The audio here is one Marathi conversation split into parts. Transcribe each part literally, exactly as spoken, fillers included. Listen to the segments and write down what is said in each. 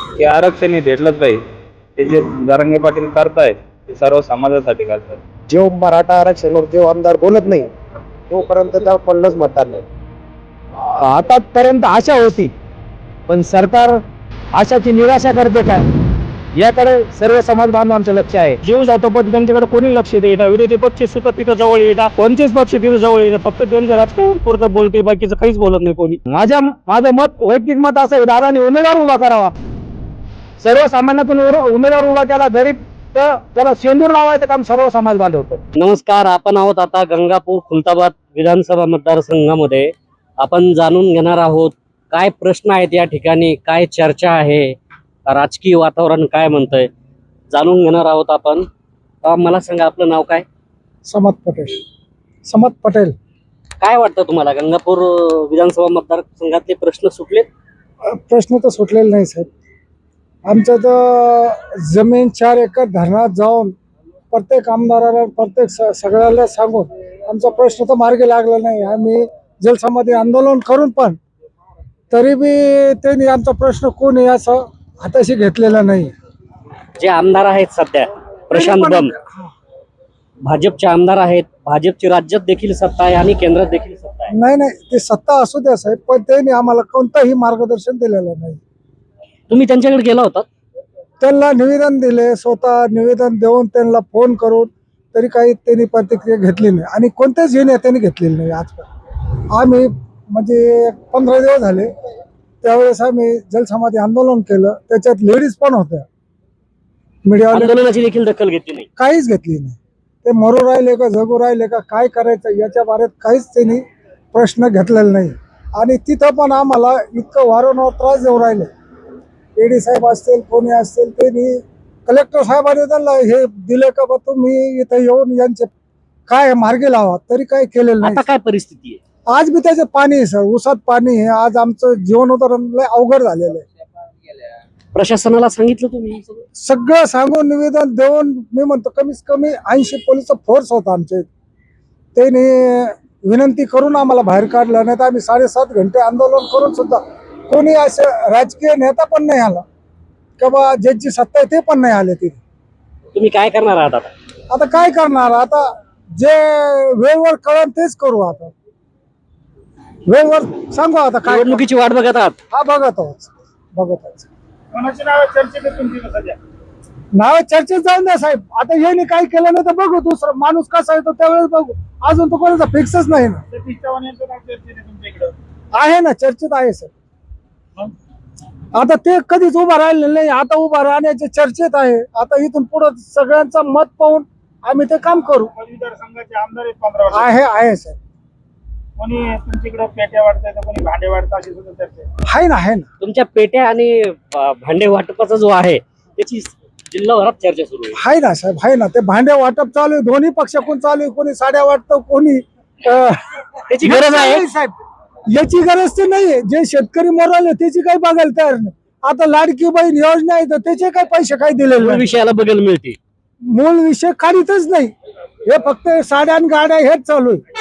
की आरक्षण हे भेटलंच पाहिजे. ते जे जरांगे पाटील करतायत ते सर्व समाजासाठी करतात. जो मराठा आरक्षणावर जो आमदार बोलत नाही तोपर्यंत त्याला पडलंच मतदान नाही. आतापर्यंत आशा होती, पण सरकार आशाची निराशा करते काय याकडे सर्व समाज बांधवांचं लक्ष आहे. जीव जातो पण त्यांच्याकडे कोणी लक्ष देईना. विरोधी पक्ष सुद्धा तिथं जवळ येतात, कोणतेच पक्ष तिथं जवळ येतात. फक्त त्यांचं राजकारण पुरतं बोलते, बाकीचं काहीच बोलत नाही कोणी. माझ्या माझं मत वैयक्तिक मत असं आहे, दादाने उमेदवार उभा करावा. सर्वसामान्यातून उमेदवार उभा केला जरी तर त्याला शेंदूर लावायचं काम सर्व समाज बांधव. नमस्कार, आपण आहोत आता गंगापूर खुलताबाद विधानसभा मतदारसंघामध्ये. आपण जाणून घेणार आहोत काय प्रश्न आहेत या ठिकाणी, काय चर्चा आहे, राजकीय वातावरण काय म्हणतंय, जाणून घेणार आहोत आपण. अ, मला सांगा, आपलं नाव काय? समत पटेल. समत पटेल. काय वाटतं तुम्हाला, गंगापूर विधानसभा मतदारसंघातले प्रश्न सुटलेत? प्रश्न तर सुटलेले नाही साहेब. आमचं तर जमीन चार एकर धरणात जाऊन प्रत्येक आमदाराला प्रत्येक स सगळ्याला सांगून आमचा प्रश्न तर मार्गी लागला नाही. आम्ही जलसमाधी आंदोलन करून पण तरी बी त्यांनी आमचा प्रश्न कोणी असं हाताशी घेतलेला नाही. जे आमदार आहेत सध्या, प्रशांत बम भाजपचे आमदार आहेत. भाजपची राज्यात देखील सत्ता आहे आणि केंद्रात देखील सत्ता आहे. नाही नाही ते सत्ता असू द्या साहेब, पण त्यांनी आम्हाला कोणतंही मार्गदर्शन दिलेलं नाही. तुम्ही त्यांच्याकडे गेला होता? त्यांना निवेदन दिले, स्वतः निवेदन देऊन त्यांना फोन करून तरी काही त्यांनी प्रतिक्रिया घेतली नाही आणि कोणत्याच नेत्यांनी घेतलेली नाही. आजपर्यंत आम्ही म्हणजे पंधरा दिवस झाले, त्यावेळेस आम्ही जलसमाधी आंदोलन केलं, त्याच्यात लेडीज पण होत्या. मीडियावाले आंदोलनाची देखील दखल घेतली नाही, काहीच घेतली नाही. ते मरू राहिले का जगू राहिले का काय करायचं याच्या बारेत काहीच त्यांनी प्रश्न घेतलेला नाही. आणि तिथं पण आम्हाला इतकं वारंवार त्रास देऊ राहिले. एडी साहेब असतील, कोणी असतील, त्यांनी कलेक्टर साहेबांनी त्यांना हे दिले का बा तुम्ही इथं येऊन यांचे काय मार्गी लावा, तरी काय केलेलं नाही. आता काय परिस्थिती आहे? आज बी त्याचे पाणी आहे सर, ऊसात पाणी आहे. आज आमचं जीवन उदाहरण लय अवघड झालेलं आहे. प्रशासनाला सांगितलं तुम्ही? सगळं सांगून निवेदन देऊन मी म्हणतो कमीत कमी ऐंशी पोलीसचा फोर्स होता आमचे. त्यांनी विनंती करून आम्हाला बाहेर काढलं, नाही तर आम्ही साडेसात घंटे आंदोलन करून सुद्धा कोणी असं राजकीय नेता पण नाही आला किंवा ज्यांची सत्ता आहे ते पण नाही आले तिथे. तुम्ही काय करणार आहात आता? आता काय करणार, आता जे वेळेवर कळण तेच करू. आता वेळेवर सांगू आता काय. निवडणुकीची वाट बघत आहात? हा बघत आहोत बघत आहोत. कोणाची नाव चर्चेत आहे तुमची सध्या? नाव चर्चेत जाऊन द्या साहेब. आता यांनी काय केलं नाही तर बघू, दुसरं माणूस कसा येतो त्यावेळेस बघू. अजून तो कोणाचा फिक्सच नाही ना. सतीश चव्हाण यांचं नाव चर्चेत आहे तुमच्या इकडं? आहे ना, चर्चेत आहे सर. आता ते कधीच उभा राहिलेलं नाही, आता उभा राहण्याचे चर्चेत आहे. आता इथून पुढे सगळ्यांचं मत पाहून आम्ही ते काम करू. मतदारसंघाचे आमदार आहेत पंधरा वर्ष. आहे आहे सर. कोणी तुमच्याकडे पेट्या वाटताय तर कोणी भांडे वाटतं अशी सुद्धा चर्चा आहे. आहे ना आहे ना. तुमच्या पेट्या आणि अ, भांडे वाटपाचा जो आहे त्याची जिल्हाभरात चर्चा सुरू आहे. आहे ना साहेब, आहे ना. ते भांडे वाटप चालू आहे, दोन्ही पक्षाकडून चालू आहे. कोणी साड्या वाटतं, कोणी अं, त्याची गरज आहे साहेब. याची गरज तर नाहीये. जे शेतकरी मोराले त्याची काही बघायला तयार नाही. आता लाडकी बहीण योजना आहे तर त्याचे काही पैसे काही दिलेले नाही. विषयाला बघायला मिळते. मूळ विषय काढीतच नाही. हे फक्त साड्या आणि गाड्या हेच चालू आहे.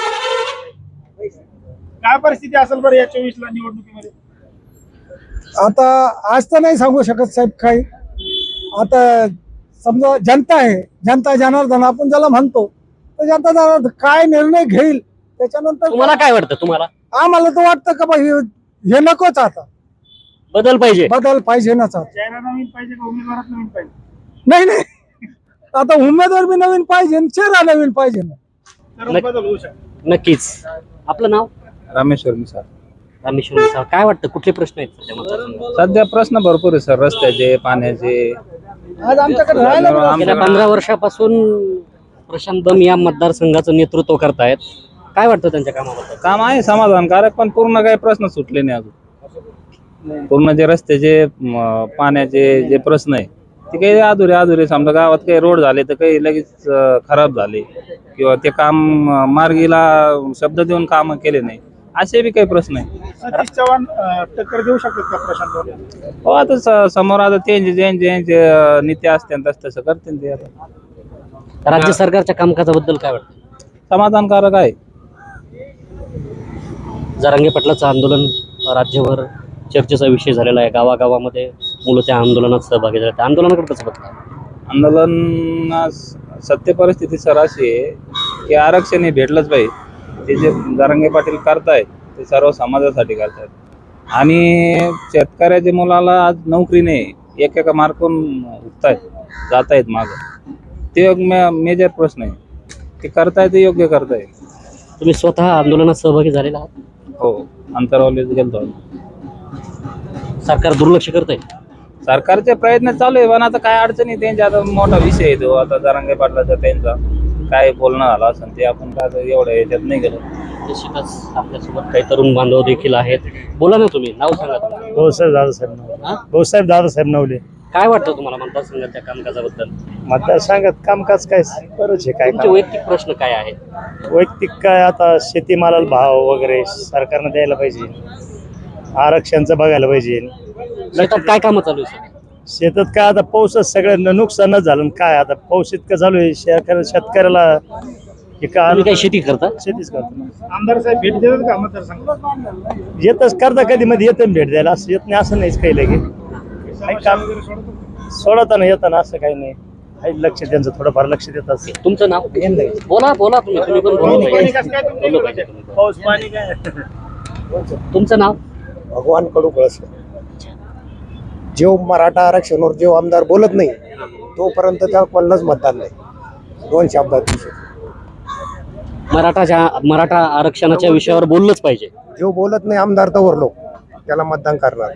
काय परिस्थिती असेल बरं या चोवीस ला निवडणुकीमध्ये? आता आज तर नाही सांगू शकत साहेब काही. आता समजा जनता आहे, जनता जनार्दन आपण ज्याला म्हणतो, तर जनता जनार्दन काय निर्णय घेईल त्याच्यानंतर तुम्हाला काय वाटतं? तुम्हाला आम्हाला तर वाटतं का बा हे हे नकोच. आता बदल पाहिजे? बदल पाहिजे नाच. आता चेहरा नवीन पाहिजे का उमेदवारात नवीन पाहिजे? नाही नाही, आता उमेदवार बी नवीन पाहिजे आणि चेहरा नवीन पाहिजे ना. तर बदल होऊ शकतो. नक्कीच. आपलं नाव? रामेश्वर मिसाळ. रामेश्वर मिसाळ. काय वाटतं, कुठले प्रश्न आहेत सध्या मतदारसंघात? सध्या प्रश्न भरपूर आहे सर, रस्त्याचे, पाण्याचे. आज आमच्याकडे राहायला बी गेल्या पंधरा वर्षापासून प्रशांत बम या मतदारसंघाचं नेतृत्व करतायत. काय वाटतं त्यांच्या कामाबद्दल? काम आहे समाधानकारक, पण पूर्ण काही प्रश्न सुटले नाही अजून. पूर्ण जे रस्त्याचे, म, पाण्याचे जे प्रश्न आहे ते काही अधुरे अधुरे. समजा गावात काही रोड झाले तर काही लगेच अं, खराब झाले किंवा ते काम अं, मार्गीला शब्द देऊन काम केले नाही, असे बी काही प्रश्न आहे. सतीश चव्हाण टक्कर देऊ शकतात का प्रशांत? हो, आता स- समोर आता त्यांचे ज्यांचे ज्यांचे अं, नेते असतील तस तसं करतील ते. आता राज्य सरकारच्या कामकाजाबद्दल काय वाटतं? समाधानकारक आहे. जरांगे पाटलाचं आंदोलन राज्यभर चर्चेचा विषय झालेला आहे. गावागावामध्ये मुलं त्या आंदोलनात सहभागी झाले त्या आंदोलनाकडे कसं बघता? आंदोलन सत्य परिस्थिती सर अशी आहे की आरक्षण हे भेटलंच पाहिजे. ते जे जरांगे पाटील करतायत ते सर्व समाजासाठी करतायत आणि शेतकऱ्याच्या मुलाला आज नोकरी नाही, एक एका मार्कून उठतायत जात आहेत मागं. ते एक मे मेजर प्रश्न आहे. ते करतायत ते योग्य करतायत. तुम्ही स्वतः आंदोलनात सहभागी झालेला आहात? हो, अंतरावलीत गेलतो. सरकार दुर्लक्ष करतंय? सरकारचे प्रयत्न चालू आहे पण आता काय अडचणी त्यांच्या आता मोठा विषय आहे तो. आता जरांगे पाटलाचा त्यांचा काय बोलणं झालं असं ते आपण काय आता एवढं याच्यात नाही गेलो. निश्चितच आपल्यासोबत काही तरुण बांधव देखील आहेत. बोला ना, तुम्ही नाव सांगा तुम्हाला. भाऊसाहेब दादासाहेब नवले. हा? भाऊसाहेब दादासाहेब नवले. काय वाटतं तुम्हाला मतदारसंघाच्या कामकाजाबद्दल? मतदारसंघात कामकाज काय बरंच आहे. काय तुमचे वैयक्तिक प्रश्न काय आहेत? वैयक्तिक काय आता शेतीमालाला भाव वगैरे सरकारनं द्यायला पाहिजे, आरक्षणचं बघायला पाहिजे. शेतात काय कामं चालू आहे? शेतात काय आता पाऊसच सगळ्यांना नुकसानच झालं आणि काय आता पाऊस इतकं चालू आहे शेतकऱ्या शेतकऱ्याला हे का तुम्ही काय शेती करता? शेतीच करतो. आमदार साहेब भेट देतात का मतदारसंघात? येतच करता कधी मध्ये येतं भेट द्यायला, असं येत नाही असं नाहीच काही लगे. काही काम सोडताना येताना असं काही नाही. काही लक्ष त्यांचं थोडंफार लक्ष देत असते. तुमचं नाव? बोला बोला तुम्ही तुम्ही पण बोला पाहिजे. बोललं पाहिजे तुम्ही पण. पाऊस पाणी काय तुमचं नाव? भगवान कडू कळस. जेव मराठा आरक्षणावर जेव आमदार बोलत नाही तोपर्यंत त्या कोणालाच मतदान नाही. दोन शब्दात मराठाच्या मराठा आरक्षणाच्या विषयावर बोललंच पाहिजे. जेव बोलत नाही आमदार तवर लोक त्याला मतदान करणार.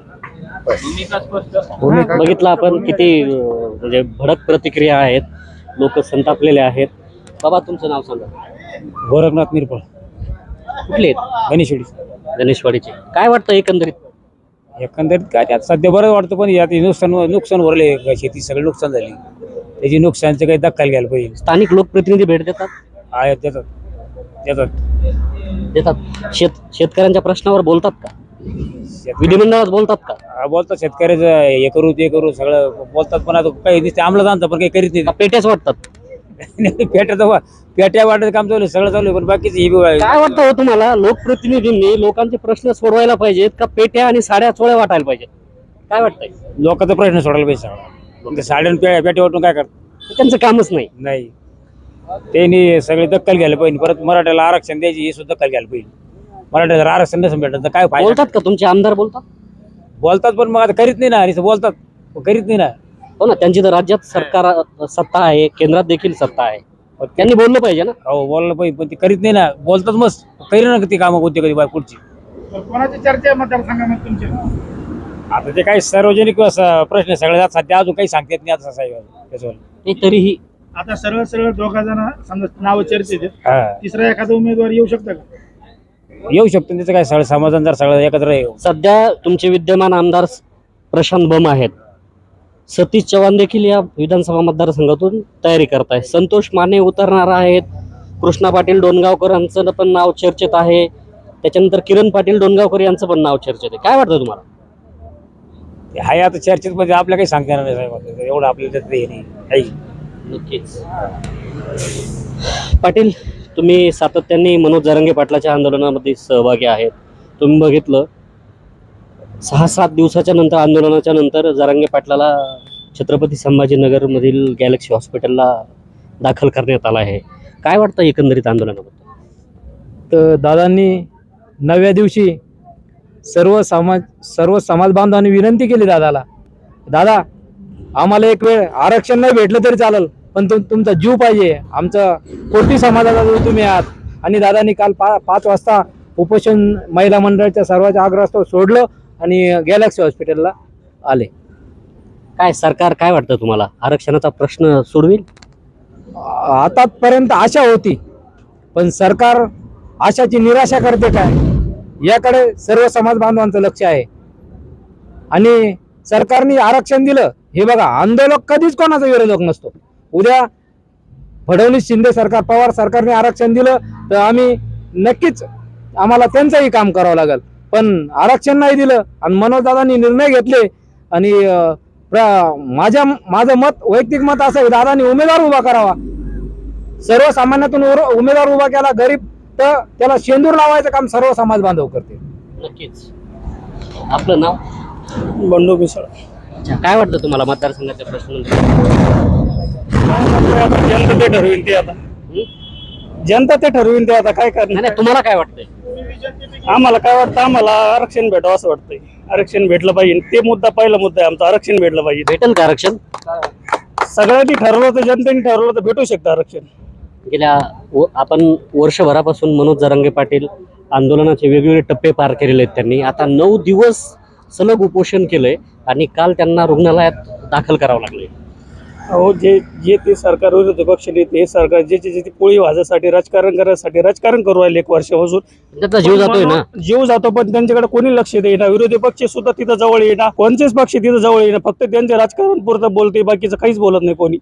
बघितलं आपण किती अं, म्हणजे भडक प्रतिक्रिया आहेत. लोक संतापलेले आहेत. बाबा तुमचं नाव सांगा. गोरखनाथ निरपळ, कुठले आहेत? गणेशवाडी. गणेशवाडीचे. काय वाटतं एकंदरीत? एकंदरीत काय त्यात सध्या बरं वाटतं पण यात नुकसान नुकसान भरले, शेती सगळी नुकसान झाली. त्याची नुकसानचं काही दखल घ्यायला पाहिजे. स्थानिक लोकप्रतिनिधी भेट देतात? आहे त्याच्यात त्याच्यात देतात. शेत शेतकऱ्यांच्या प्रश्नावर बोलतात का? विधिमंडळात बोलतात का? हा, बोलतात शेतकऱ्याचं हे करू ते करू सगळं बोलतात पण आता काही दिसते अंमलात आणतात पण काही करीत का पेट्याच वाटतात? नाही. पेट्याचं पेट्या वाटायचं काम चालू आहे, सगळं चालू आहे पण बाकीचं ही बी आहे. काय वाटतं हो तुम्हाला? लोकप्रतिनिधींनी लोकांचे प्रश्न सोडवायला पाहिजेत का पेट्या आणि साड्या चोळ्या वाटायला पाहिजेत? काय वाटतंय? लोकांचा प्रश्न सोडायला पाहिजे सगळं. साड्या पे पेट्या वाटून काय करतात? त्यांचं कामच नाही. नाही, त्यांनी सगळे दखल घ्यायला पाहिजे. परत मराठ्याला आरक्षण द्यायची हे सुद्धा दखल घ्यायला पाहिजे. मराठ्याला जर आरक्षण नसेल भेटत तर काय फायदा? बोलतात का तुमचे आमदार? बोलतात बोलतात पण मग आता करीत नाही ना. आणि बोलतात पण करीत नाही ना. हो ना, त्यांची तर राज्यात सरकार अ, सत्ता आहे, केंद्रात देखील सत्ता आहे. त्यांनी बोललं पाहिजे ना. हो बोललं पाहिजे पण ते करीत नाही ना. बोलतात मस्त करी ना ती कामं कोणती कधी पुढची. कोणाची चर्चा आहे मतदारसंघामध्ये तुमची? आता ते काही सार्वजनिक असं प्रश्न सगळे सध्या अजून काही सांगता येत नाही आता साहेब त्याच्यावर. ते तरीही आता सरळ सरळ दोघा जण समजा नाव चर्चेत आहेत. हा, तिसरा एखादा उमेदवार येऊ शकतो का? येऊ शकतो त्याचं काय सगळं समाधान जर सगळं एकत्र येऊ. सध्या तुमचे विद्यमान आमदार प्रशांत बम आहेत. सतीश चव्हाण देखील या विधानसभा मतदारसंघातून तयारी करताय. संतोष माने उतरणार आहेत. कृष्णा पाटील डोणगावकरांचं पण नाव चर्चेत आहे. त्याच्यानंतर किरण पाटील डोणगावकर यांचं पण नाव चर्चेत आहे. काय वाटतं तुम्हाला? ते हाय आता चर्चेत म्हणजे आपल्या काही सांगता येणार नाही साहेब. एवढं आपल्याला त्याचं हे नाही काही. नक्कीच. पाटील, तुम्ही सातत्याने मनोज जरांगे पाटलाच्या आंदोलनामध्ये सहभागी आहेत. तुम्ही बघितलं सहा सात दिवसाच्या नंतर आंदोलनाच्या नंतर जरांगे पाटलाला छत्रपती संभाजीनगरमधील गॅलेक्सी हॉस्पिटलला दाखल करण्यात आला आहे. काय वाटतं एकंदरीत आंदोलनाबद्दल? तर दादांनी नवव्या दिवशी सर्व समाज सर्व समाज बांधवांनी विनंती केली दादाला, दादा आम्हाला एक वेळ आरक्षण नाही भेटलं तरी चालेल पण तुम तुमचा जीव पाहिजे. आमचं कोटी समाजाचा जो तुम्ही आहात. आणि दादांनी काल पा पाच वाजता उपोषण महिला मंडळाच्या सर्वांच्या आग्रहास्तव सोडलं आणि गॅलेक्सी हॉस्पिटलला आले. काय सरकार काय वाटतं तुम्हाला? आरक्षणाचा प्रश्न सोडवेल? आतापर्यंत आशा होती पण सरकार आशाची निराशा करते काय याकडे सर्व समाज बांधवांचं लक्ष आहे. आणि सरकारने आरक्षण दिलं हे बघा, आंदोलक कधीच कोणाचा विरोधक नसतो. उद्या फडणवीस शिंदे सरकार पवार सरकारने आरक्षण दिलं तर आम्ही नक्कीच आम्हाला त्यांचंही काम करावं लागेल. पण आरक्षण नाही दिलं आणि मनोजदादांनी निर्णय घेतले आणि माझ्या माझं मत वैयक्तिक मत असं आहे, दादांनी उमेदवार उभा करावा. सर्वसामान्यातून उमेदवार उभा केला, गरीब तर त्याला शेंदूर लावायचं काम सर्व समाज बांधव करते. नक्कीच. आपलं नाव? बंडू पिसळ. अच्छा, काय वाटतं तुम्हाला मतदारसंघाच्या प्रश्न जनता ते ठरवीन ते आता जनता ते ठरवीन ते आता काय करणार. नाही तुम्हाला काय वाटतंय? आम्हाला काय वाटतं, आम्हाला आरक्षण भेटावं असं वाटतंय. आरक्षण भेटलं पाहिजे, ते मुद्दा पहिला मुद्दा आहे आमचा. आरक्षण भेटलं पाहिजे. भेटेल का आरक्षण? सगळ्यांनी ठरवलं तर, जनतेने ठरवलं तर भेटू शकतं आरक्षण. गेल्या व- आपण वर्षभरापासून मनोज जरांगे पाटील आंदोलनाचे वेगवेगळे टप्पे पार केलेले आहेत त्यांनी. आता नऊ दिवस सलग उपोषण केलंय आणि काल त्यांना रुग्णालयात दाखल करावं लागले. अहो, जे जे ते सरकार विरोधी पक्ष नेते, हे सरकार जे जे ते पोळी भाजासाठी राजकारण करायसाठी राजकारण करू राहिले एक वर्षापासून. त्याचा जीव जातोय ना. जीव जातो, पण त्यांच्याकडे कोणी लक्ष देईना. विरोधी पक्ष सुद्धा तिथं जवळ येईना, कोणतेच पक्ष तिथं जवळ येईना. फक्त त्यांचे राजकारण पुरतं बोलते, बाकीचं काहीच बोलत नाही कोणी.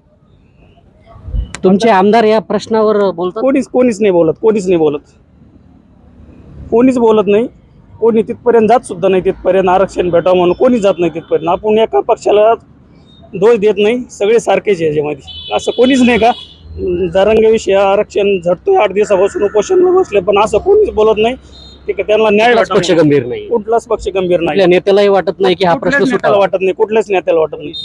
तुमचे आमदार या प्रश्नावर बोलतात? कोणीच कोणीच नाही बोलत, कोणीच नाही बोलत, कोणीच बोलत नाही. कोणी तिथपर्यंत जात सुद्धा नाही. तिथपर्यंत आरक्षण भेटावं म्हणून कोणी जात नाही तिथपर्यंत. आपण एका पक्षाला दोष देत नाही, सगळे सारखेच आहे याच्यामध्ये. असं कोणीच नाही का जरांगेविषयी आरक्षण झटतोय आठ दिवसापासून उपोषणला बसले, पण असं कोणीच बोलत नाही. ठीक आहे, त्यांना न्याय कुठलाच पक्ष भेटला गंभीर नाही. कुठलाच पक्ष गंभीर नाही. आपल्या नेत्यालाही वाटत नाही की हा प्रश्न कुठल्याच सुटावा. नेत्याला वाटत नाही, कुठल्याच नेत्याला वाटत नाही.